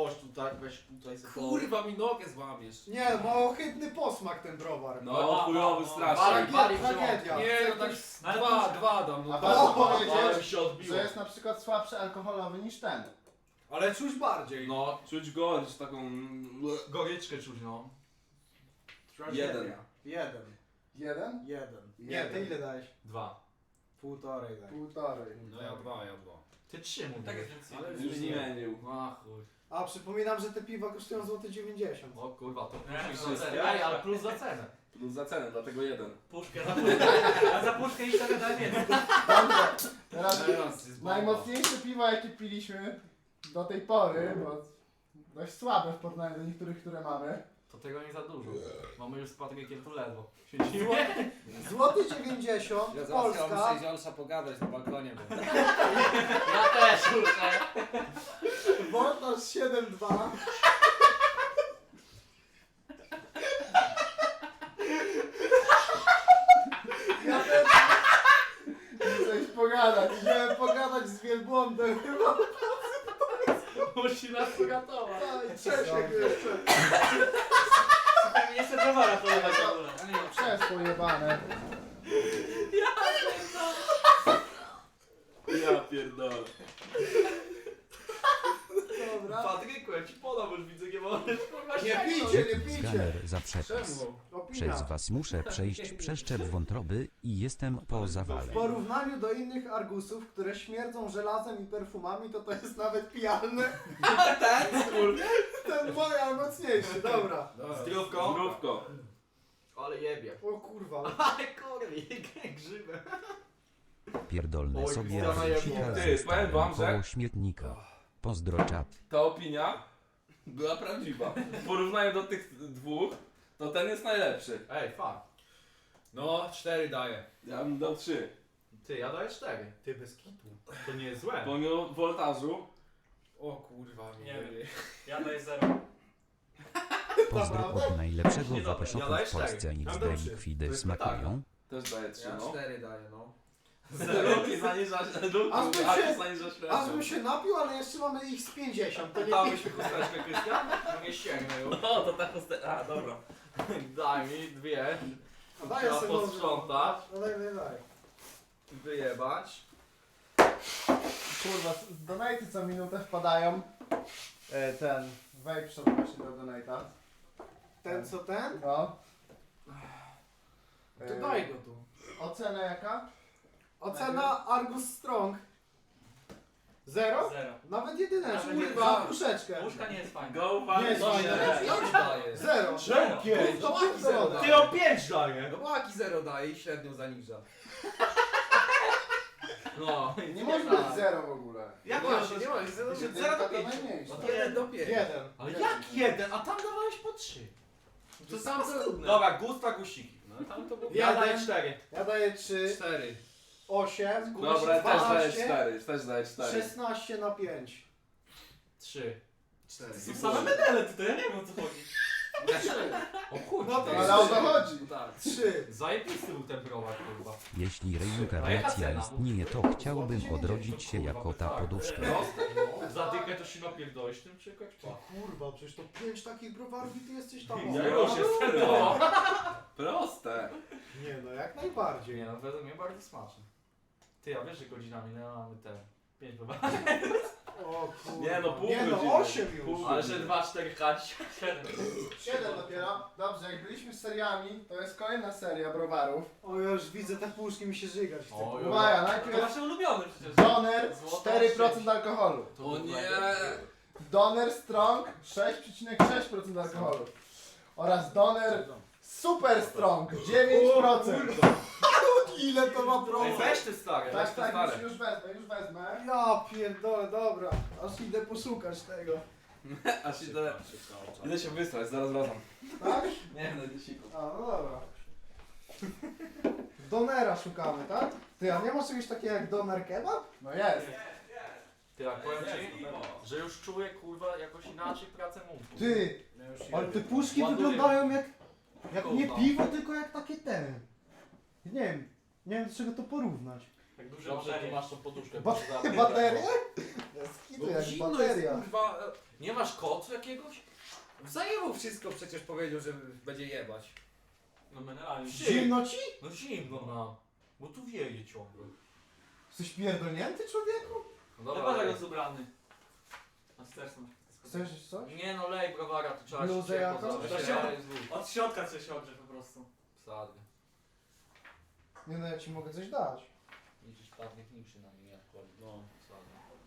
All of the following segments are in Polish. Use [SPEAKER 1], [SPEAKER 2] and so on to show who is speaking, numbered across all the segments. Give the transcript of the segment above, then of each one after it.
[SPEAKER 1] Chodź tutaj, weź tutaj sobie.
[SPEAKER 2] Kurwa mi nogę złamiesz.
[SPEAKER 3] Nie, ma ohydny posmak ten browar.
[SPEAKER 2] No chujowy strasznie.
[SPEAKER 3] Tragedia.
[SPEAKER 2] Nie, no tak
[SPEAKER 4] Ale
[SPEAKER 2] dwa dam.
[SPEAKER 5] A
[SPEAKER 2] No
[SPEAKER 5] warto
[SPEAKER 3] O,
[SPEAKER 1] Ale
[SPEAKER 5] powiedzieć,
[SPEAKER 1] mi się odbiło.
[SPEAKER 5] że jest na przykład słabszy alkoholowy niż ten.
[SPEAKER 3] Ale czuć bardziej.
[SPEAKER 2] No, czuć gorycz taką...
[SPEAKER 1] Goryczkę czuć, no.
[SPEAKER 2] Jeden.
[SPEAKER 3] Jeden.
[SPEAKER 5] Jeden?
[SPEAKER 3] Nie, ty ile dałeś?
[SPEAKER 1] 2.
[SPEAKER 3] Półtorej daj.
[SPEAKER 5] Półtorej.
[SPEAKER 2] No ja dwa.
[SPEAKER 1] Ty 3 mówisz.
[SPEAKER 4] Tak jest więcej.
[SPEAKER 3] Ale
[SPEAKER 2] Już zmienił.
[SPEAKER 1] A chuj.
[SPEAKER 3] A przypominam, że te piwa kosztują złoty 90.
[SPEAKER 1] O kurwa, to
[SPEAKER 4] Nie,
[SPEAKER 1] plus
[SPEAKER 4] za
[SPEAKER 1] za
[SPEAKER 4] cenę.
[SPEAKER 1] cenę. Ej, ale plus za cenę.
[SPEAKER 2] Plus za cenę, dlatego jeden.
[SPEAKER 4] Puszkę, za puszkę. A za puszkę i sobie daj więcej.
[SPEAKER 5] Dobrze, teraz
[SPEAKER 2] Teraz jest bomba.
[SPEAKER 5] najmocniejsze piwa jakie piliśmy do tej pory, bo dość słabe w porównaniu do niektórych, które mamy.
[SPEAKER 1] To tego nie za dużo. Mamy już z Patrykiem tu ledwo. Siedzimy.
[SPEAKER 3] Złoty 90,
[SPEAKER 6] Ja zaraz
[SPEAKER 3] Polska.
[SPEAKER 6] muszę z Olsza pogadać na balkonie, bo...
[SPEAKER 4] Ja też muszę.
[SPEAKER 3] Woltaż 7,2. Ja też
[SPEAKER 5] Coś pogadać.
[SPEAKER 3] chciałem pogadać z wielbłądem chyba.
[SPEAKER 4] Musi nas uratować.
[SPEAKER 3] I Czesiek jeszcze.
[SPEAKER 4] Nie chcę browara polewać w ogóle.
[SPEAKER 5] Przez pojebane.
[SPEAKER 2] Ja pierdolę.
[SPEAKER 3] Dobra.
[SPEAKER 1] Patryku, ja ci podam, już widzę, nie możesz kurwa
[SPEAKER 3] Nie
[SPEAKER 1] sięgnąć.
[SPEAKER 3] pijcie, nie pijcie.
[SPEAKER 7] Skaner za przekaz.
[SPEAKER 2] Czemu?
[SPEAKER 3] Opinia.
[SPEAKER 7] Przez was muszę przejść przeszczep wątroby i jestem po zawale.
[SPEAKER 3] W porównaniu do innych argusów, które śmierdzą żelazem i perfumami, to jest nawet pijalne. Ten moja mocniejszy, dobra.
[SPEAKER 1] Zdrówko.
[SPEAKER 2] Zdrówko.
[SPEAKER 1] Ale jebie.
[SPEAKER 3] O kurwa.
[SPEAKER 1] Ale kurwi, grzybem.
[SPEAKER 7] Pierdolne
[SPEAKER 1] Oj,
[SPEAKER 7] sobie
[SPEAKER 1] Krystiana
[SPEAKER 7] Azusika
[SPEAKER 1] jebło.
[SPEAKER 2] Ty,
[SPEAKER 7] ze
[SPEAKER 2] powiem wam,
[SPEAKER 7] starym
[SPEAKER 2] że-
[SPEAKER 7] koło śmietnika. Pozdro czat.
[SPEAKER 2] Ta opinia była prawdziwa. W porównaniu do tych dwóch, to ten jest najlepszy.
[SPEAKER 1] Ej, fuck.
[SPEAKER 2] No, 4 daję. Ja bym dał 3.
[SPEAKER 1] Ty, ja daję 4.
[SPEAKER 3] Ty bez kitu.
[SPEAKER 1] To nie jest złe.
[SPEAKER 2] Pomimo woltażu. O kurwa,
[SPEAKER 4] Nie wiem. Ja daję 0.
[SPEAKER 7] Pozdro od najlepszego
[SPEAKER 4] Niedobre.
[SPEAKER 7] wapeszoku
[SPEAKER 1] Ja daję
[SPEAKER 7] w Polsce
[SPEAKER 1] cztery.
[SPEAKER 7] nic
[SPEAKER 3] Ja
[SPEAKER 7] de
[SPEAKER 3] dam trzy.
[SPEAKER 1] To
[SPEAKER 7] likwidy
[SPEAKER 1] jest
[SPEAKER 7] smakują.
[SPEAKER 2] Też daję 3,
[SPEAKER 1] Ja
[SPEAKER 2] no.
[SPEAKER 1] 4 daję, no.
[SPEAKER 2] Luki zaniżasz,
[SPEAKER 3] Aż bym
[SPEAKER 2] Luki
[SPEAKER 3] się-
[SPEAKER 2] zaniżasz
[SPEAKER 3] Aż bym się napił, ale jeszcze mamy ich z 50. To nie
[SPEAKER 1] Dałbyś mi chusteczkę, Krystian? No nie sięgnę już.
[SPEAKER 2] No, to ta chusteczka. A, dobra.
[SPEAKER 1] Daj mi 2.
[SPEAKER 3] Daję
[SPEAKER 1] Trzeba
[SPEAKER 3] sobie
[SPEAKER 1] posprzątać.
[SPEAKER 3] No daj.
[SPEAKER 1] Wyjebać.
[SPEAKER 5] Kurwa, donaty co minutę wpadają. Ten, wejdź przed właśnie do donata.
[SPEAKER 3] Ten co ten?
[SPEAKER 5] No.
[SPEAKER 3] To daj go tu.
[SPEAKER 5] Ocena jaka?
[SPEAKER 3] Ocena Argus Strong. 0?
[SPEAKER 4] 0.
[SPEAKER 3] Nawet jedyneczkę.
[SPEAKER 4] Nawet
[SPEAKER 3] Kurwa,
[SPEAKER 4] jedyneczkę.
[SPEAKER 3] puszeczkę.
[SPEAKER 4] Puszka nie jest fajna.
[SPEAKER 2] Go,
[SPEAKER 3] Nie jest fajne.
[SPEAKER 1] Ja ci daję.
[SPEAKER 3] 0.
[SPEAKER 4] Czemu
[SPEAKER 1] pięć?
[SPEAKER 3] To
[SPEAKER 1] Łaki zero
[SPEAKER 3] pierdolę.
[SPEAKER 1] daje.
[SPEAKER 6] o 5 daję!
[SPEAKER 1] No łaki 0 daje i średnią zaniża. No.
[SPEAKER 5] Nie może być zero w ogóle.
[SPEAKER 1] Jak
[SPEAKER 3] Właśnie,
[SPEAKER 1] nie ma, jest 0
[SPEAKER 5] Jedynka
[SPEAKER 1] do
[SPEAKER 5] to
[SPEAKER 1] 5.
[SPEAKER 5] najmniejsza.
[SPEAKER 1] Od 1 do 5.
[SPEAKER 3] 1.
[SPEAKER 1] Ale jak 1? A tam dawałeś po 3.
[SPEAKER 3] To sam to...
[SPEAKER 1] Dobra, gusta gusiki. No tam to było.
[SPEAKER 3] Ja daję
[SPEAKER 1] 4.
[SPEAKER 3] Ja daję 3,
[SPEAKER 1] 4.
[SPEAKER 3] 8,
[SPEAKER 2] Dobra, też daję
[SPEAKER 3] 12,
[SPEAKER 2] 4. Też daję 4.
[SPEAKER 3] 16 na 5.
[SPEAKER 1] 3.
[SPEAKER 2] 4.
[SPEAKER 4] Są same medale tutaj, ja nie wiem o co chodzi.
[SPEAKER 1] O kurczę.
[SPEAKER 3] No to
[SPEAKER 5] Ale o to chodzi.
[SPEAKER 1] Tak.
[SPEAKER 3] 3.
[SPEAKER 1] Zajebisty był ten browar, kurwa.
[SPEAKER 7] Jeśli reinkarnacja istnieje, to chciałbym odrodzić się jako ta poduszka.
[SPEAKER 1] Zadykę to się napierdolisz tym czekać?
[SPEAKER 3] Kurwa, przecież to 5 takich browarów i ty jesteś tam.
[SPEAKER 2] Ja już jestem. No. Proste.
[SPEAKER 3] Nie no, jak najbardziej.
[SPEAKER 1] Nie no, według mnie bardzo smaczne. Ty, a wiesz, że godzinami no, mamy te 5 browarów.
[SPEAKER 3] O kurwa.
[SPEAKER 2] Nie no, pół
[SPEAKER 3] Nie
[SPEAKER 2] godziny.
[SPEAKER 3] no, 8 już.
[SPEAKER 2] Pół.
[SPEAKER 1] Ale że 2, 4 chać.
[SPEAKER 4] 7.
[SPEAKER 5] 7 dopiero. Dobrze, jak byliśmy z seriami, to jest kolejna seria browarów.
[SPEAKER 3] O, ja już widzę te puszki, mi się żygać chce.
[SPEAKER 1] O,
[SPEAKER 3] kurwa.
[SPEAKER 5] Uwaga,
[SPEAKER 4] To
[SPEAKER 5] najpierw
[SPEAKER 4] wasze ulubione przecież.
[SPEAKER 5] Doner
[SPEAKER 4] Złota
[SPEAKER 5] 4% alkoholu.
[SPEAKER 2] O nie.
[SPEAKER 5] Doner Strong 6,6% alkoholu. Oraz Doner Super Strong 9%.
[SPEAKER 3] Ile to ma
[SPEAKER 1] Ej,
[SPEAKER 3] procent?
[SPEAKER 1] weź te stare, weź
[SPEAKER 5] Tak,
[SPEAKER 1] te
[SPEAKER 5] tak,
[SPEAKER 1] stare.
[SPEAKER 5] już wezmę.
[SPEAKER 3] Ja pierdolę, dobra. Aż idę poszukać tego.
[SPEAKER 2] Aż idę się wysłać, zaraz wracam.
[SPEAKER 3] Tak?
[SPEAKER 2] Nie no, dziesiku.
[SPEAKER 3] A, no dobra. Donera szukamy, tak? Ty, a nie masz czegoś takiego jak doner kebab?
[SPEAKER 5] No jest.
[SPEAKER 1] Ty, jak powiem ci, że już czuję, kurwa, jakoś inaczej pracę mózgu.
[SPEAKER 3] Ty, ale te puszki
[SPEAKER 1] Ładuję.
[SPEAKER 3] wyglądają jak nie
[SPEAKER 1] Kurwa.
[SPEAKER 3] piwo, tylko jak takie ten. Nie wiem do czego to porównać.
[SPEAKER 4] Tak duże
[SPEAKER 1] Dobrze, tu
[SPEAKER 4] baterie.
[SPEAKER 1] masz tą poduszkę.
[SPEAKER 3] Baterie? Skitu
[SPEAKER 6] No
[SPEAKER 3] jak
[SPEAKER 6] zimno
[SPEAKER 3] bateria.
[SPEAKER 6] jest, kurwa.
[SPEAKER 1] Nie masz kocu jakiegoś?
[SPEAKER 6] Zajebał wszystko, przecież powiedział, że będzie jebać.
[SPEAKER 4] No mineralnie.
[SPEAKER 3] Zimno ci?
[SPEAKER 1] No zimno nam. Bo tu wieje ciągle.
[SPEAKER 3] Jesteś pierdolnięty, człowieku?
[SPEAKER 1] No
[SPEAKER 4] Chyba, że jest ubrany. Na sterczną.
[SPEAKER 3] Chcesz coś?
[SPEAKER 1] Nie no, lej browara, to trzeba
[SPEAKER 3] Bluzę
[SPEAKER 1] się
[SPEAKER 3] jakąś?
[SPEAKER 1] zrobić.
[SPEAKER 4] To
[SPEAKER 1] To
[SPEAKER 4] się-
[SPEAKER 1] jest wód.
[SPEAKER 4] Od środka coś się ogrze po prostu.
[SPEAKER 1] Wsady.
[SPEAKER 3] Nie no, ja ci mogę coś dać.
[SPEAKER 1] Widzisz, padnie niczy na mnie, jak kładnie. No, wsady.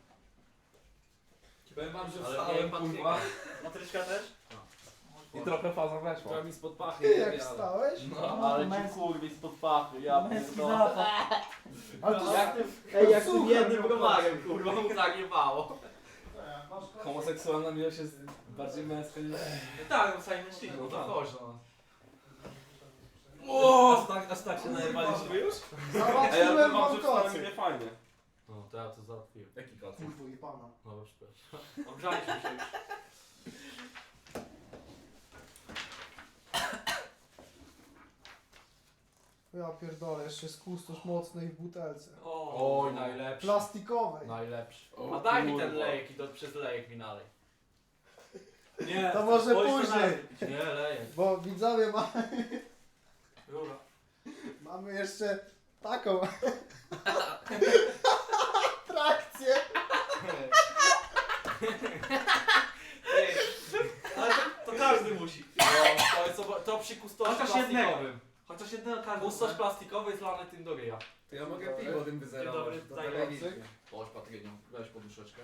[SPEAKER 2] Powiem wam, że
[SPEAKER 1] Ale
[SPEAKER 2] wstałem,
[SPEAKER 1] nie, pan
[SPEAKER 2] kurwa.
[SPEAKER 4] Matryczka też?
[SPEAKER 2] I trochę faza weszła.
[SPEAKER 6] Która mi spod pachy
[SPEAKER 3] Ty jak
[SPEAKER 6] jebie, ale-
[SPEAKER 3] wstałeś?
[SPEAKER 2] No, ale ci kurwi spod pachy, ja pierdolę.
[SPEAKER 4] zapach.
[SPEAKER 3] Ale to
[SPEAKER 1] Jak
[SPEAKER 3] jest...
[SPEAKER 1] Ej, jak
[SPEAKER 3] Słuchaj,
[SPEAKER 1] tym jednym
[SPEAKER 3] no,
[SPEAKER 1] browarem, kurwa, mu zajebało.
[SPEAKER 2] Homoseksualna miłość jest bardziej męska niż...
[SPEAKER 4] Tak, no sami mężczyźni.
[SPEAKER 1] No to chodź no.
[SPEAKER 2] Aż tak się najebaliśmy już?
[SPEAKER 3] Załatwiłem wam kocy.
[SPEAKER 2] nie fajnie.
[SPEAKER 1] No, to ja to załatwiłem.
[SPEAKER 6] Jaki koc?
[SPEAKER 3] Kurwa, i pana.
[SPEAKER 1] No, przepraszam.
[SPEAKER 4] Ogrzaliśmy się już.
[SPEAKER 3] Ja pierdolę, jeszcze jest kustosz mocnej w butelce.
[SPEAKER 1] Oj, najlepszy.
[SPEAKER 3] Plastikowej.
[SPEAKER 1] Najlepszy.
[SPEAKER 2] O,
[SPEAKER 1] A daj mi ten
[SPEAKER 2] kurwa.
[SPEAKER 1] lejek i to przez lejek mi nalej.
[SPEAKER 4] Nie.
[SPEAKER 3] To może
[SPEAKER 4] spójrz to
[SPEAKER 3] później.
[SPEAKER 1] Nie, lejek.
[SPEAKER 3] Bo widzowie
[SPEAKER 4] Rura.
[SPEAKER 3] mamy jeszcze taką atrakcję.
[SPEAKER 4] Ale to każdy musi.
[SPEAKER 1] No, to, jest, to przy kustosie
[SPEAKER 4] Chociaż jednego.
[SPEAKER 1] plastikowym.
[SPEAKER 4] Chociaż jednego każdy.
[SPEAKER 1] Kustosz plastikowy jest lany tym do ryja.
[SPEAKER 6] To ja mogę piwo tym wyzerować.
[SPEAKER 4] Dobry,
[SPEAKER 6] To
[SPEAKER 4] daj
[SPEAKER 6] telewizyjnie.
[SPEAKER 1] Chodź Patryniu, weź poduszeczkę.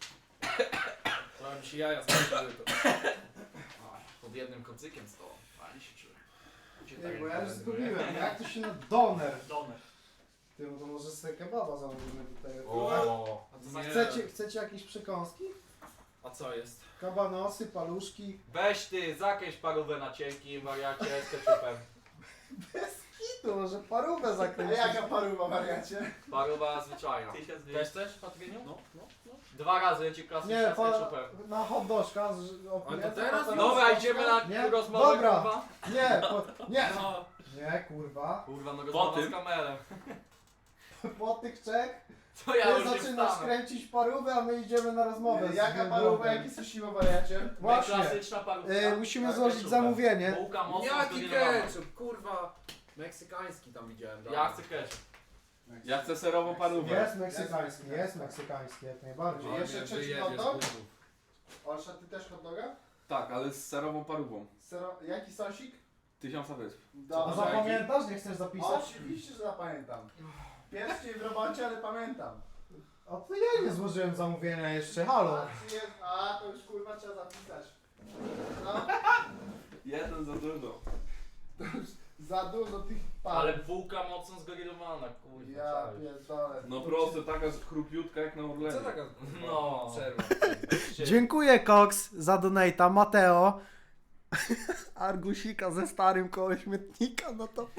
[SPEAKER 6] To mi się jaja skończyły to.
[SPEAKER 1] Pod jednym kocykiem z tobą. Fajnie się czuję.
[SPEAKER 3] Ej, bo ja już zgubiłem. Jak to się na doner?
[SPEAKER 4] Doner.
[SPEAKER 3] Ty, no to może sobie kebaba zamówimy tutaj.
[SPEAKER 1] O,
[SPEAKER 3] Chcecie jakieś przekąski?
[SPEAKER 6] A co jest?
[SPEAKER 3] Kabanosy, paluszki.
[SPEAKER 1] weź ty, zakreś parówę na cienkim wariacie z ketchupem.
[SPEAKER 3] I to może parówę zakręcić. A jaka parówa, wariacie?
[SPEAKER 1] Parówa zwyczajna.
[SPEAKER 4] 1200.
[SPEAKER 1] Też chcesz, Patryniu?
[SPEAKER 6] No.
[SPEAKER 1] 2 razy leci klasyczna
[SPEAKER 3] Nie,
[SPEAKER 1] z ketchupem.
[SPEAKER 3] na hot dożka.
[SPEAKER 6] Ale to teraz?
[SPEAKER 1] Dobra, idziemy na
[SPEAKER 3] Nie?
[SPEAKER 1] rozmowę,
[SPEAKER 3] Dobra.
[SPEAKER 1] kurwa.
[SPEAKER 3] Nie, nie.
[SPEAKER 6] No.
[SPEAKER 3] Nie, kurwa.
[SPEAKER 1] Kurwa, no rozmowa
[SPEAKER 2] tym?
[SPEAKER 1] z kamerem.
[SPEAKER 3] Po tych trzech
[SPEAKER 1] To ja
[SPEAKER 3] ty
[SPEAKER 1] już nie
[SPEAKER 3] zaczynasz
[SPEAKER 1] wstanę.
[SPEAKER 3] kręcić parówę, a my idziemy na rozmowę.
[SPEAKER 5] Jaka parówa, jaki susiwo wariacie?
[SPEAKER 3] Właśnie.
[SPEAKER 1] Klasyczna parówka.
[SPEAKER 3] Musimy
[SPEAKER 1] z
[SPEAKER 3] złożyć
[SPEAKER 1] ketchupem.
[SPEAKER 3] zamówienie.
[SPEAKER 1] Bułka mocno
[SPEAKER 6] Jaki
[SPEAKER 1] zgrillowana.
[SPEAKER 6] ketchup, kurwa. Meksykański tam widziałem.
[SPEAKER 1] Ja chcę ketchup.
[SPEAKER 2] Ja chcę serową parówę.
[SPEAKER 3] Jest meksykański, jak najbardziej.
[SPEAKER 6] No,
[SPEAKER 5] Jeszcze
[SPEAKER 6] nie,
[SPEAKER 5] trzeci
[SPEAKER 6] wyjedziesz,
[SPEAKER 5] hot dog?
[SPEAKER 6] kurwa.
[SPEAKER 5] Olsza, ty też hot doga?
[SPEAKER 2] Tak, ale z serową parówą.
[SPEAKER 5] Jaki sosik?
[SPEAKER 2] 1000 wysp.
[SPEAKER 3] A
[SPEAKER 5] Dobra.
[SPEAKER 3] zapamiętasz? Nie chcesz zapisać?
[SPEAKER 5] Oczywiście, że zapamiętam. Pierwszy w robocie, ale pamiętam.
[SPEAKER 3] A to ja nie złożyłem zamówienia jeszcze, halo.
[SPEAKER 5] A to już kurwa trzeba zapisać. No,
[SPEAKER 2] Jeden za dużo.
[SPEAKER 5] za dużo tych
[SPEAKER 1] Ale bułka mocno zgrillowana, kurwa.
[SPEAKER 5] Ja
[SPEAKER 1] czaisz.
[SPEAKER 5] pierdolę.
[SPEAKER 2] No prosto, taka chrupiutka jak na Orlenie.
[SPEAKER 6] Co taka
[SPEAKER 1] No.
[SPEAKER 6] przerwa?
[SPEAKER 3] Dziękuję Cox za donata. Mateo. Argusika ze starym koło śmietnika, no to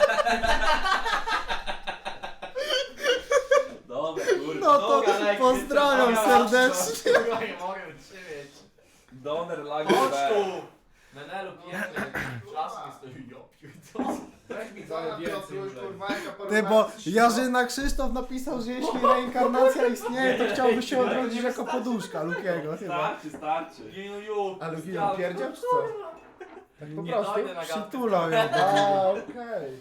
[SPEAKER 2] Dobra, kurwa.
[SPEAKER 3] no to
[SPEAKER 1] Dobra, lek,
[SPEAKER 3] pozdrawiam
[SPEAKER 1] dobra,
[SPEAKER 3] serdecznie.
[SPEAKER 1] Kurwa, nie mogę wytrzymać.
[SPEAKER 2] Doner, lager,
[SPEAKER 1] Chodź
[SPEAKER 2] B.
[SPEAKER 1] tu! Menelu piękny. Czas mi stoi, ja pierdolę.
[SPEAKER 6] Weź mi
[SPEAKER 5] Co na
[SPEAKER 6] więcej
[SPEAKER 5] Piotruś,
[SPEAKER 6] już.
[SPEAKER 5] kurwa, jaka parówa?
[SPEAKER 3] Ty, bo Jarzyna Krzysztof napisał, że jeśli reinkarnacja istnieje, to chciałby się odrodzić jako poduszka Lukiego chyba.
[SPEAKER 2] Starczy.
[SPEAKER 1] Jeju,
[SPEAKER 3] A Luki ją pierdział czy co? Tak po
[SPEAKER 1] Nie
[SPEAKER 3] prostu
[SPEAKER 1] dojdę na gadkę.
[SPEAKER 3] przytulał ją. A, okej.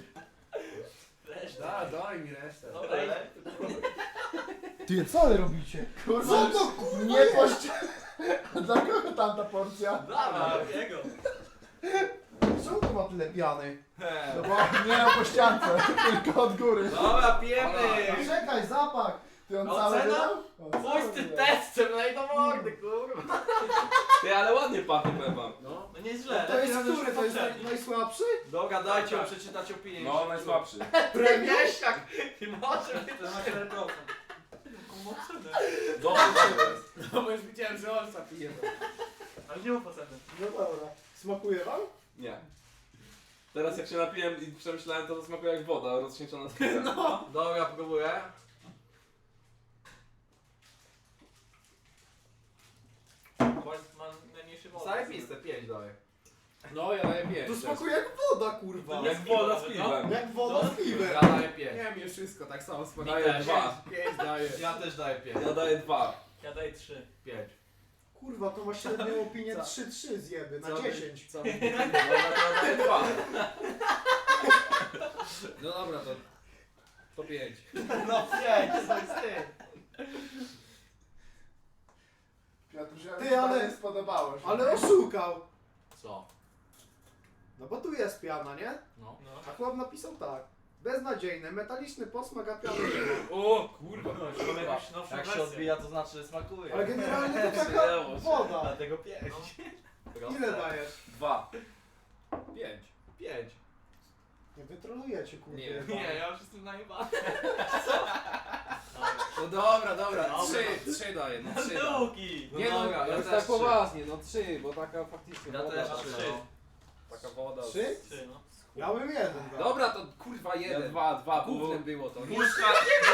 [SPEAKER 6] Daj mi resztę.
[SPEAKER 1] Dobra,
[SPEAKER 3] Ty, co wy robicie?
[SPEAKER 5] Kurwa,
[SPEAKER 3] Co to kurwa
[SPEAKER 5] nie
[SPEAKER 3] jest?
[SPEAKER 5] pość... Dla kogo tamta porcja?
[SPEAKER 1] Dawaj.
[SPEAKER 4] Jego.
[SPEAKER 3] Czemu to ma tyle piany?
[SPEAKER 5] No bo nie na pościance, tylko od góry.
[SPEAKER 1] Dobra, pijemy.
[SPEAKER 3] Czekaj, zapach!
[SPEAKER 5] Ty on
[SPEAKER 1] No,
[SPEAKER 5] cały
[SPEAKER 1] cena?
[SPEAKER 5] wydał? On
[SPEAKER 1] Pójdź
[SPEAKER 5] cały
[SPEAKER 1] z tym
[SPEAKER 5] wydał.
[SPEAKER 1] testem, no i do mordy, kurwa.
[SPEAKER 2] Ty, ale ładnie pachnie, powiem wam.
[SPEAKER 4] No nie jest źle.
[SPEAKER 3] To jest
[SPEAKER 4] Lepiej
[SPEAKER 3] który? To jest
[SPEAKER 4] poprzedni.
[SPEAKER 3] najsłabszy?
[SPEAKER 1] Dobra, dajcie przeczytać opinię.
[SPEAKER 2] No, najsłabszy.
[SPEAKER 1] Premieściak! Nie może być.
[SPEAKER 4] To na 4%.
[SPEAKER 2] Dobry to jest.
[SPEAKER 6] No bo już widziałem, że Olsa pije.
[SPEAKER 4] Ale nie mów oceny.
[SPEAKER 3] No dobra. Smakuje wam?
[SPEAKER 2] Nie. Teraz jak się napiłem i przemyślałem, to smakuje jak woda rozcieńczona z piwem. No.
[SPEAKER 1] Dobra, próbuję.
[SPEAKER 4] Bo ma najmniejszy wolny.
[SPEAKER 1] Zajebiste, 5 daję.
[SPEAKER 6] No, ja daję 5.
[SPEAKER 5] To smakuje jak woda, kurwa.
[SPEAKER 2] Jak woda z piwem.
[SPEAKER 5] Jak woda z piwem.
[SPEAKER 1] Ja daję 5.
[SPEAKER 6] Nie wiem, wszystko tak samo
[SPEAKER 2] Daję
[SPEAKER 6] smakuje.
[SPEAKER 2] 2.
[SPEAKER 6] 5 daję.
[SPEAKER 1] Ja też daję 5.
[SPEAKER 2] Ja daję 2.
[SPEAKER 4] Ja daję 3.
[SPEAKER 1] 5.
[SPEAKER 5] Kurwa, to ma średnią opinię
[SPEAKER 6] Co?
[SPEAKER 5] 3-3 zjeby na
[SPEAKER 6] Co?
[SPEAKER 5] 10.
[SPEAKER 6] Co?
[SPEAKER 2] Dobra, to ja daję 2.
[SPEAKER 6] No dobra, to 5.
[SPEAKER 4] No 5, to jest ty.
[SPEAKER 5] Piotruś,
[SPEAKER 3] Ty, ale-
[SPEAKER 5] nie spodobało się.
[SPEAKER 3] Ale oszukał.
[SPEAKER 1] Co?
[SPEAKER 3] No bo tu jest piana, nie?
[SPEAKER 1] No.
[SPEAKER 3] A chłop napisał tak. Beznadziejny, metaliczny posmak, a piany nie ma.
[SPEAKER 6] O kurwa.
[SPEAKER 4] Mamy jakąś nowszą
[SPEAKER 1] Jak się
[SPEAKER 4] wersję.
[SPEAKER 1] odbija, to znaczy, że smakuje.
[SPEAKER 3] Ale generalnie to taka woda.
[SPEAKER 1] Dlatego 5.
[SPEAKER 3] Ile dajesz?
[SPEAKER 2] 2.
[SPEAKER 6] 5.
[SPEAKER 1] 5.
[SPEAKER 3] Nie wytrolujecie, kurwa.
[SPEAKER 6] Nie.
[SPEAKER 1] Nie, ja już jestem najebany.
[SPEAKER 6] No dobra, dobra.
[SPEAKER 4] Dobra.
[SPEAKER 6] 3 daję, no 3 daję.
[SPEAKER 4] Luki!
[SPEAKER 6] Nie no,
[SPEAKER 1] dobra, ja
[SPEAKER 6] już
[SPEAKER 1] też
[SPEAKER 6] tak
[SPEAKER 1] 3.
[SPEAKER 6] poważnie, no 3, bo taka faktycznie
[SPEAKER 1] Ja
[SPEAKER 6] woda.
[SPEAKER 1] też
[SPEAKER 6] taka-
[SPEAKER 1] 3.
[SPEAKER 6] Taka woda.
[SPEAKER 3] 3?
[SPEAKER 4] 3, no.
[SPEAKER 3] Ja bym jeden dał.
[SPEAKER 6] Dobra, to kurwa
[SPEAKER 2] Ja
[SPEAKER 6] 1.
[SPEAKER 2] 2,
[SPEAKER 6] Gównem było to.
[SPEAKER 2] Puszka.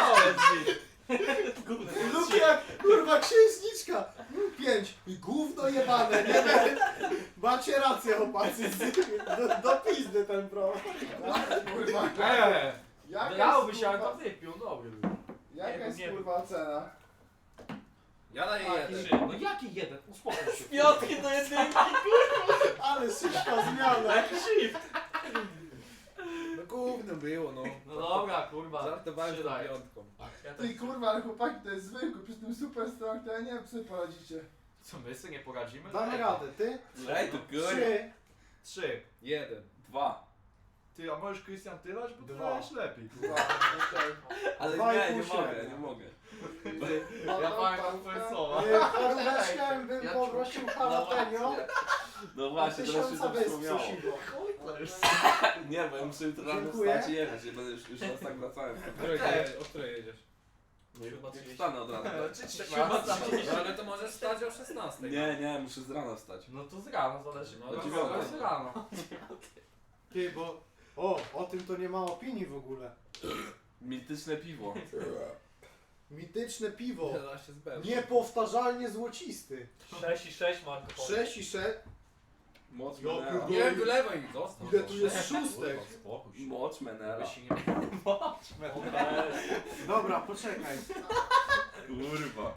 [SPEAKER 3] Lukia, kurwa, księżniczka. 5. I gówno jebane, nie wiem. Macie rację, chłopacy. Do pizdy ten pro.
[SPEAKER 5] Kurwa, jaka
[SPEAKER 1] Dałoby
[SPEAKER 5] jest,
[SPEAKER 1] się, ale to
[SPEAKER 5] kurwa,
[SPEAKER 1] wypił, dobry był.
[SPEAKER 5] jaka jest
[SPEAKER 4] Nie.
[SPEAKER 5] kurwa ocena?
[SPEAKER 6] Ja daję
[SPEAKER 3] Tak,
[SPEAKER 6] 1.
[SPEAKER 1] No jaki jeden? Uspokój się.
[SPEAKER 4] Piątki do jedynki!
[SPEAKER 3] Ale szybka zmiana.
[SPEAKER 1] Jaki shift?
[SPEAKER 6] No gównem było, no.
[SPEAKER 1] No dobra, kurwa.
[SPEAKER 6] Żartowałem z
[SPEAKER 1] Trzy
[SPEAKER 6] tą
[SPEAKER 1] daję.
[SPEAKER 6] piątką.
[SPEAKER 4] Ja
[SPEAKER 5] Ty
[SPEAKER 4] też.
[SPEAKER 5] kurwa, ale chłopaki, to jest zwykły, przy tym super strong, to ja nie wiem, co sobie poradzicie.
[SPEAKER 1] Co, my sobie nie poradzimy?
[SPEAKER 3] Damy radę, ty?
[SPEAKER 2] Ej, to kurwa.
[SPEAKER 3] 3.
[SPEAKER 1] 3.
[SPEAKER 6] 1.
[SPEAKER 2] 2.
[SPEAKER 1] Ty, a możesz Krystian tylać? Bo ty
[SPEAKER 3] Dwa.
[SPEAKER 1] wiesz lepiej.
[SPEAKER 5] Dwa, okej.
[SPEAKER 2] Ale
[SPEAKER 3] Dwa i
[SPEAKER 2] nie,
[SPEAKER 3] pół
[SPEAKER 2] nie mogę,
[SPEAKER 3] średnia.
[SPEAKER 2] nie mogę.
[SPEAKER 1] Ja pamiętam twoje słowa.
[SPEAKER 3] Paróweczkę bym
[SPEAKER 1] Ja
[SPEAKER 3] poprosił jalapeno.
[SPEAKER 2] No
[SPEAKER 3] A
[SPEAKER 2] właśnie, teraz się
[SPEAKER 3] 1000
[SPEAKER 2] to
[SPEAKER 3] wysp
[SPEAKER 2] przypomniało.
[SPEAKER 3] susiwo.
[SPEAKER 2] Nie, bo ja muszę jutro rano
[SPEAKER 3] Dziękuję.
[SPEAKER 2] wstać i jechać, nie będę już raz tak wracałem.
[SPEAKER 6] O której jedziesz?
[SPEAKER 2] Jak wstanę od rana.
[SPEAKER 6] No ale to możesz stać o 16.
[SPEAKER 2] Nie, muszę z rana wstać.
[SPEAKER 1] No to z rana zależy.
[SPEAKER 6] No,
[SPEAKER 1] No,
[SPEAKER 6] do
[SPEAKER 2] dziewiątej.
[SPEAKER 1] z rana.
[SPEAKER 3] Ty, bo... O tym to nie ma opinii w ogóle.
[SPEAKER 2] Mityczne piwo.
[SPEAKER 3] Mityczne piwo.
[SPEAKER 6] Ja się zbędę.
[SPEAKER 3] Niepowtarzalnie złocisty.
[SPEAKER 4] 6 i 6 Marko Polo.
[SPEAKER 3] 6 i 6.
[SPEAKER 2] Moc
[SPEAKER 3] Ja
[SPEAKER 2] Menela.
[SPEAKER 3] pierdolę.
[SPEAKER 6] Nie, wylewaj mi, zostaw.
[SPEAKER 3] Ile tu jest szóstek?
[SPEAKER 1] Spokój się.
[SPEAKER 2] Moc Menela.
[SPEAKER 1] Żeby się nie...
[SPEAKER 3] Dobra, poczekaj.
[SPEAKER 2] Kurwa.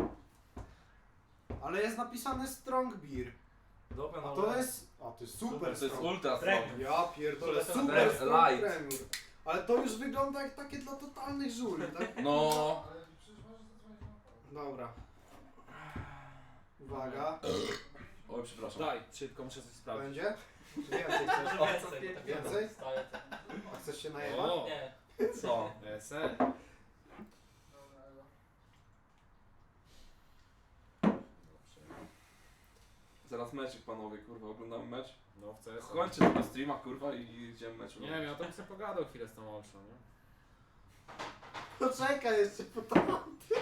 [SPEAKER 3] Ale jest napisane strong beer.
[SPEAKER 1] Dobra,
[SPEAKER 3] A
[SPEAKER 1] no.
[SPEAKER 3] to jest... A to jest super
[SPEAKER 2] To jest
[SPEAKER 3] strong.
[SPEAKER 2] ultra
[SPEAKER 4] Premium.
[SPEAKER 2] strong.
[SPEAKER 3] Ja pierdolę,
[SPEAKER 4] Super
[SPEAKER 3] super
[SPEAKER 2] strong.
[SPEAKER 3] strong
[SPEAKER 2] Light.
[SPEAKER 3] premium. Ale to już wygląda jak takie dla totalnych żuli, tak?
[SPEAKER 2] No.
[SPEAKER 5] Ale przecież możesz zadzwonić na pole.
[SPEAKER 3] Dobra. Uwaga.
[SPEAKER 2] Oj, przepraszam.
[SPEAKER 6] Daj, szybko muszę coś sprawdzić.
[SPEAKER 3] Będzie? Czy więcej chcesz?
[SPEAKER 4] Może więcej. tak
[SPEAKER 3] Więcej?
[SPEAKER 4] Staję tak.
[SPEAKER 3] A chcesz się najebać?
[SPEAKER 6] O,
[SPEAKER 4] Nie.
[SPEAKER 2] Co?
[SPEAKER 6] SL.
[SPEAKER 5] Dobra, Elo.
[SPEAKER 2] Zaraz meczik, panowie, kurwa, oglądamy mecz.
[SPEAKER 6] No w CS.
[SPEAKER 2] Kończę tego streama, kurwa, i idziemy mecz
[SPEAKER 6] Nie wiem, ja to bym sobie pogadał chwilę z tą Olszą, nie?
[SPEAKER 3] Poczekaj jeszcze po tamty.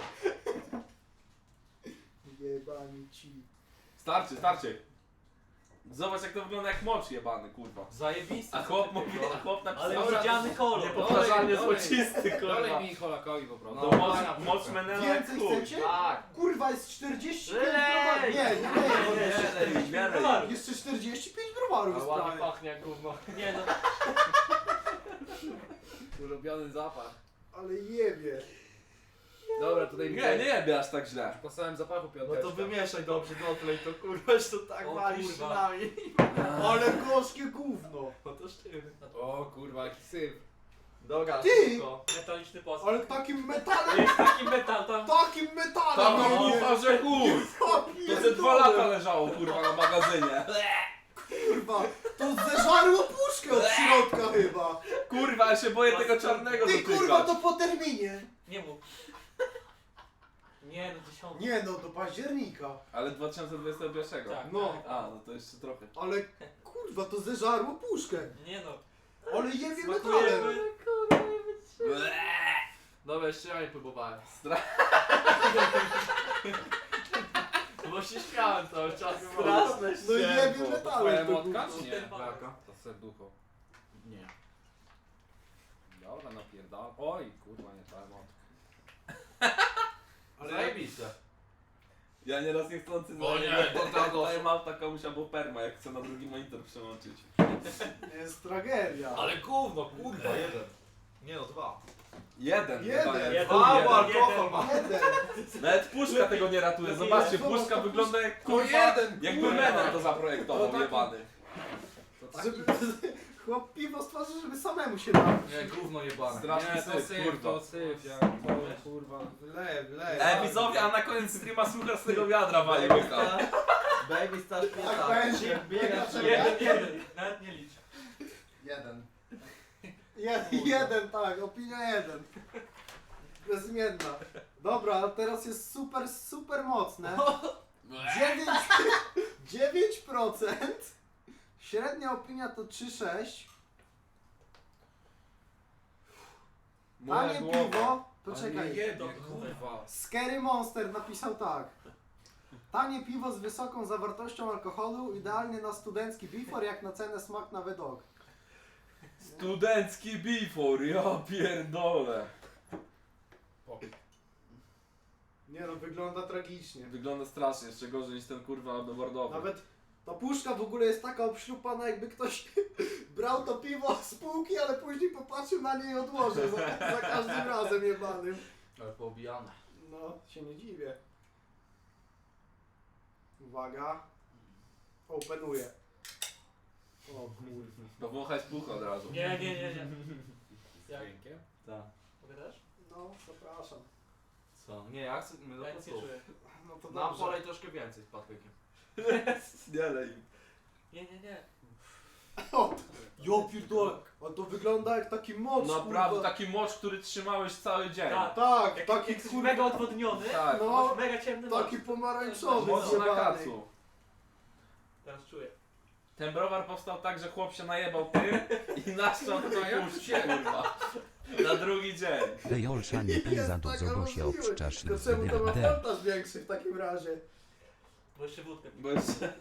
[SPEAKER 3] Jebani ci.
[SPEAKER 2] Starczy. Zobacz, jak to wygląda jak mocz jebany, kurwa.
[SPEAKER 1] Zajebisty.
[SPEAKER 2] A chłop mówi, a chłop
[SPEAKER 4] Ale
[SPEAKER 2] napisał...
[SPEAKER 4] widziany kolor.
[SPEAKER 2] Niepowtarzalnie
[SPEAKER 6] Dolej,
[SPEAKER 2] złocisty, kurwa.
[SPEAKER 6] Dolej mi Holakowi po prostu.
[SPEAKER 2] No, moc Menela jak
[SPEAKER 3] Więcej
[SPEAKER 2] chuj.
[SPEAKER 3] chcecie?
[SPEAKER 1] Tak.
[SPEAKER 3] Kurwa, jest 45
[SPEAKER 1] Lej!
[SPEAKER 3] browarów. Nie.
[SPEAKER 2] Nie,
[SPEAKER 3] Jeszcze 45 browarów
[SPEAKER 1] Ale
[SPEAKER 3] jest
[SPEAKER 1] ładnie
[SPEAKER 3] prawie.
[SPEAKER 1] pachnie jak gówno.
[SPEAKER 4] Nie no.
[SPEAKER 6] Ulubiony zapach.
[SPEAKER 3] Ale jebie.
[SPEAKER 6] Dobra, tutaj
[SPEAKER 2] Nie jebie aż tak źle.
[SPEAKER 6] Po samym zapachu
[SPEAKER 1] No
[SPEAKER 6] piąteczka.
[SPEAKER 1] to wymieszaj dobrze, dotlej to kurwa, już to tak
[SPEAKER 4] O
[SPEAKER 1] walisz
[SPEAKER 4] kurwa.
[SPEAKER 1] szynami.
[SPEAKER 3] Ale gorzkie gówno.
[SPEAKER 1] No to sztywny.
[SPEAKER 6] O kurwa, jaki syf.
[SPEAKER 1] Dobra,
[SPEAKER 3] Ty!
[SPEAKER 1] szybko.
[SPEAKER 4] Metaliczny posmak.
[SPEAKER 3] Ale takim metalem,
[SPEAKER 4] Jest taki metal tam.
[SPEAKER 3] takim metalem.
[SPEAKER 2] Tam
[SPEAKER 3] nie
[SPEAKER 2] no
[SPEAKER 3] wiem.
[SPEAKER 2] kurwa, że chuj. To ze 2 lata leżało, kurwa, na magazynie.
[SPEAKER 3] Kurwa, to zeżarło puszkę od środka chyba.
[SPEAKER 2] Kurwa, ja się boję tego czarnego
[SPEAKER 3] Ty
[SPEAKER 2] dotykać.
[SPEAKER 3] kurwa, to po terminie.
[SPEAKER 4] Nie mów. Nie no, 10.
[SPEAKER 3] Nie no, do października.
[SPEAKER 2] Ale 2021.
[SPEAKER 4] Tak.
[SPEAKER 3] No.
[SPEAKER 2] A, no to jeszcze trochę.
[SPEAKER 3] Ale kurwa, to zeżarło puszkę.
[SPEAKER 4] Nie no.
[SPEAKER 3] Ale jebie
[SPEAKER 4] Smakuje.
[SPEAKER 3] metalem.
[SPEAKER 1] Dobra, jeszcze ja nie próbowałem. No bo się śmiałem cały czas.
[SPEAKER 4] Straszne
[SPEAKER 3] No jebie
[SPEAKER 6] To
[SPEAKER 3] metalem.
[SPEAKER 6] twoja
[SPEAKER 3] to
[SPEAKER 6] motka,
[SPEAKER 3] kurwa.
[SPEAKER 6] czy nie?
[SPEAKER 1] Jaka?
[SPEAKER 6] To serducho.
[SPEAKER 1] Nie.
[SPEAKER 6] Dobra, napierdal. Oj, kurwa, nie twoja motka.
[SPEAKER 3] Ale
[SPEAKER 1] Zajebiste.
[SPEAKER 2] Ja nieraz niechcący
[SPEAKER 1] O nie,
[SPEAKER 2] daję małta komuś albo perma, jak chcę na drugi monitor przełączyć.
[SPEAKER 3] Jest tragedia.
[SPEAKER 1] Ale gówno, kurwa, jeden. Nie no, 2.
[SPEAKER 2] Jeden.
[SPEAKER 3] Jeden.
[SPEAKER 2] chyba jest.
[SPEAKER 4] Jeden.
[SPEAKER 1] A,
[SPEAKER 4] Jeden.
[SPEAKER 1] bo alkohol ma.
[SPEAKER 3] Jeden.
[SPEAKER 2] Nawet puszka tego nie ratuje. Zobaczcie,
[SPEAKER 3] Zobacz,
[SPEAKER 2] puszka
[SPEAKER 3] to
[SPEAKER 2] wygląda jak
[SPEAKER 3] To
[SPEAKER 2] kurwa,
[SPEAKER 3] jeden,
[SPEAKER 2] jakby
[SPEAKER 3] kurwa.
[SPEAKER 2] Menem to zaprojektował,
[SPEAKER 3] To taki-
[SPEAKER 2] jebany.
[SPEAKER 3] Żeby, chłop piwo stworzył, żeby samemu się napić.
[SPEAKER 1] Nie, gówno jebane.
[SPEAKER 2] Straszny syf, kurwa.
[SPEAKER 6] syf, ja to kurwa.
[SPEAKER 2] Ej, widzowie, a na koniec streama słucha z tego wiadra wali łyka.
[SPEAKER 1] Baby stasz
[SPEAKER 5] Tak będzie.
[SPEAKER 4] Jeden. Nawet nie licz.
[SPEAKER 5] Jeden.
[SPEAKER 3] Jeden, tak, opinia jeden. Bezimienna. Dobra, ale teraz jest super mocne. 9%. Średnia opinia to 3,6. Tanie piwo. Poczekaj.
[SPEAKER 6] kurwa.
[SPEAKER 3] Scary Monster napisał tak. Tanie piwo z wysoką zawartością alkoholu, idealnie na studencki bifor, jak na cenę smak na wydok.
[SPEAKER 2] Studencki bifor, ja pierdolę.
[SPEAKER 3] Nie no, wygląda tragicznie.
[SPEAKER 2] Wygląda strasznie, jeszcze gorzej niż ten kurwa bordowy.
[SPEAKER 3] Nawet ta puszka w ogóle jest taka obśrupana, jakby ktoś brał to piwo z półki, ale później popatrzył na nie i odłożył za każdym razem jebanym.
[SPEAKER 1] Ale poobijane.
[SPEAKER 3] No, się nie dziwię. Uwaga. Openuję. O kurwa.
[SPEAKER 2] Powąchać puch od razu.
[SPEAKER 4] Nie. Jak?
[SPEAKER 1] Tak.
[SPEAKER 4] Mogę też?
[SPEAKER 3] No, zapraszam.
[SPEAKER 1] Co? Nie, ja chcę... My do
[SPEAKER 4] Ja nic nie czuję.
[SPEAKER 3] No to
[SPEAKER 1] Nam
[SPEAKER 3] dobrze.
[SPEAKER 1] polej troszkę więcej z Patrykiem.
[SPEAKER 2] Nie lej.
[SPEAKER 4] Nie.
[SPEAKER 3] O, jo pierdolę. A to wygląda jak taki mocz,
[SPEAKER 2] Naprawdę
[SPEAKER 3] kurwa.
[SPEAKER 2] taki mocz, który trzymałeś cały dzień.
[SPEAKER 4] Tak.
[SPEAKER 3] Tak,
[SPEAKER 4] Jak
[SPEAKER 3] taki
[SPEAKER 4] jest
[SPEAKER 3] kurwa,
[SPEAKER 4] mega odwodniony,
[SPEAKER 2] Tak.
[SPEAKER 3] no,
[SPEAKER 4] masz mega ciemny
[SPEAKER 3] taki
[SPEAKER 4] nos.
[SPEAKER 3] pomarańczowy,
[SPEAKER 2] Mocno na
[SPEAKER 3] zjebany.
[SPEAKER 2] kacu.
[SPEAKER 4] Teraz czuję.
[SPEAKER 2] Ten browar powstał tak, że chłop się najebał tym i naszczał do tej puszki, kurwa. Na drugi dzień.
[SPEAKER 7] Dejolsza nie pij za dużo, bo się obszczasz
[SPEAKER 3] To czemu to ma
[SPEAKER 7] D.
[SPEAKER 3] fantaż większy w takim razie?
[SPEAKER 4] Bo jeszcze wódkę.
[SPEAKER 2] Bo jeszcze...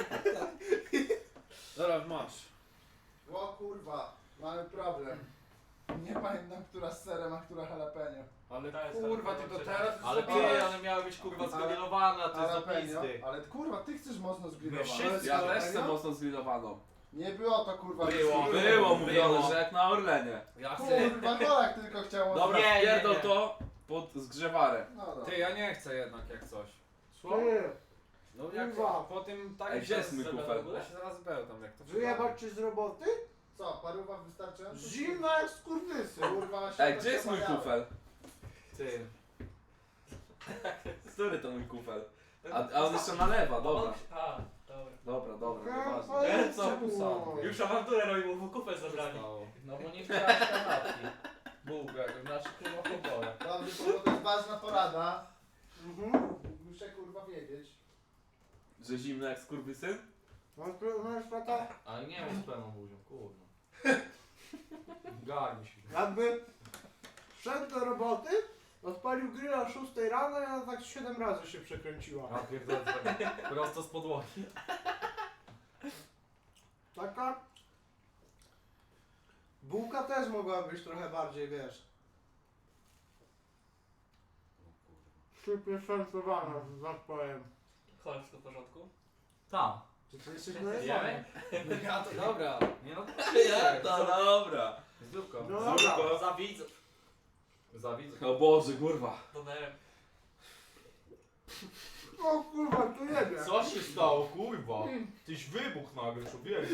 [SPEAKER 6] Dobra, masz.
[SPEAKER 5] O kurwa, mamy problem. Nie pamiętam, która z serem, a która jalapeno.
[SPEAKER 6] Ale
[SPEAKER 4] To jest
[SPEAKER 6] kurwa,
[SPEAKER 4] tak,
[SPEAKER 6] ty to
[SPEAKER 4] tak.
[SPEAKER 6] teraz
[SPEAKER 1] Ale
[SPEAKER 6] zrobiłeś.
[SPEAKER 1] ty, one miały być kurwa zgrillowane, a to jest do
[SPEAKER 5] Jalapeno,
[SPEAKER 1] pizdy.
[SPEAKER 5] ale kurwa, ty chcesz mocno zgrillować.
[SPEAKER 1] wszyscy-
[SPEAKER 2] Ja też chcę mocno zgrillowaną.
[SPEAKER 5] Nie było to kurwa.
[SPEAKER 1] Było,
[SPEAKER 2] Było mówione,
[SPEAKER 1] Było.
[SPEAKER 2] że jak na Orlenie.
[SPEAKER 1] Ja chcę...
[SPEAKER 5] Kurwa, Golak tylko chciał.
[SPEAKER 2] Dobra,
[SPEAKER 1] Nie, nie,
[SPEAKER 2] pierdol
[SPEAKER 1] nie.
[SPEAKER 2] to pod zgrzewarem.
[SPEAKER 5] No dobra.
[SPEAKER 6] Ty, ja nie chcę jednak jak coś.
[SPEAKER 3] Ty,
[SPEAKER 6] No jak
[SPEAKER 3] Kurwa.
[SPEAKER 6] po tym tak
[SPEAKER 2] Ej, gdzie jest mój kufel?
[SPEAKER 6] Ja się zaraz bełtam jak to
[SPEAKER 3] wyjebać ci z roboty?
[SPEAKER 5] Co, paruwa wystarczająco?
[SPEAKER 3] Zimna jak skurwysy.
[SPEAKER 5] Kurwa, się
[SPEAKER 2] Ej, gdzie jest mój
[SPEAKER 5] rozmawiałem.
[SPEAKER 2] kufel?
[SPEAKER 1] Ty.
[SPEAKER 2] Który to mój kufel? A on jeszcze nalewa, dobra.
[SPEAKER 4] A, dobra.
[SPEAKER 2] Dobra, nieważne.
[SPEAKER 3] Co?
[SPEAKER 4] Już awanturę robił, bo kufel zabrali.
[SPEAKER 1] No bo nie chciałeś kanapki. Bułkę, znaczy kurwa powolę.
[SPEAKER 5] Dobrze, bo to jest ważna porada.
[SPEAKER 3] Mhm.
[SPEAKER 5] Muszę kurwa wiedzieć.
[SPEAKER 2] Że zimno jak skurwysyn?
[SPEAKER 3] Masz taka?
[SPEAKER 1] Ale nie wiem z pełną buzią, kurwa. Garni się.
[SPEAKER 3] Jakby szedł do roboty, odpalił grilla o 6 rano i ona tak 7 razy się przekręciła.
[SPEAKER 1] A pierdolę, prosto z podłogi.
[SPEAKER 3] Taka? Bułka też mogła być trochę bardziej, wiesz. Szybko szansowana, że tak powiem.
[SPEAKER 4] Chodź, wszystko w porządku?
[SPEAKER 1] Tam.
[SPEAKER 3] Czy ty jesteś
[SPEAKER 1] Jemy?
[SPEAKER 3] najebany?
[SPEAKER 6] Ja to dobra.
[SPEAKER 1] Nie no,
[SPEAKER 2] Ja to dobra.
[SPEAKER 1] zdrówko.
[SPEAKER 3] Dobra.
[SPEAKER 2] Zdrówko.
[SPEAKER 4] Za widzów.
[SPEAKER 1] Za widzę.
[SPEAKER 2] O Boże, kurwa.
[SPEAKER 4] Donerem.
[SPEAKER 3] O kurwa, tu jedzie.
[SPEAKER 1] Co się stało, kurwa? Tyś wybuch nagle, człowieku.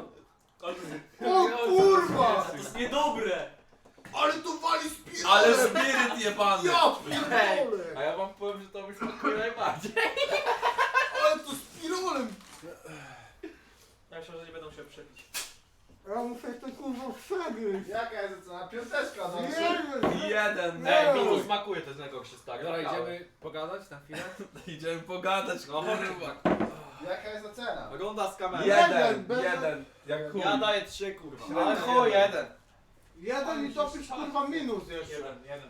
[SPEAKER 3] O kurwa!
[SPEAKER 4] To jest niedobre!
[SPEAKER 3] Ale tu wali spiralem!
[SPEAKER 2] Ale spiryt jebany.
[SPEAKER 3] Ja
[SPEAKER 1] Hej,
[SPEAKER 3] pierdolę!
[SPEAKER 1] a ja wam powiem, że to mi smakuje najbardziej.
[SPEAKER 3] Ale to spiralem!
[SPEAKER 4] Ja myślę, że nie będą się przepić.
[SPEAKER 3] Ja muszę ten kurwa przegryźć.
[SPEAKER 5] Jaka jest ocena? Piąteczka, no.
[SPEAKER 2] Jeden.
[SPEAKER 3] Nie.
[SPEAKER 1] Ej, mi to smakuje też jak się stary.
[SPEAKER 6] Dobra, idziemy pogadać na chwilę?
[SPEAKER 2] Idziemy pogadać,
[SPEAKER 1] No,
[SPEAKER 2] kurwa.
[SPEAKER 5] Jaka jest ocena?
[SPEAKER 1] Ogląda z kamery.
[SPEAKER 3] Jeden, bez-
[SPEAKER 2] Jeden. Jak chuj.
[SPEAKER 1] Ja daję 3 kurwa.
[SPEAKER 3] Średnio
[SPEAKER 1] Ale chuj, jeden.
[SPEAKER 3] Jeden i topisz kurwa minus jeszcze.
[SPEAKER 4] Jeden.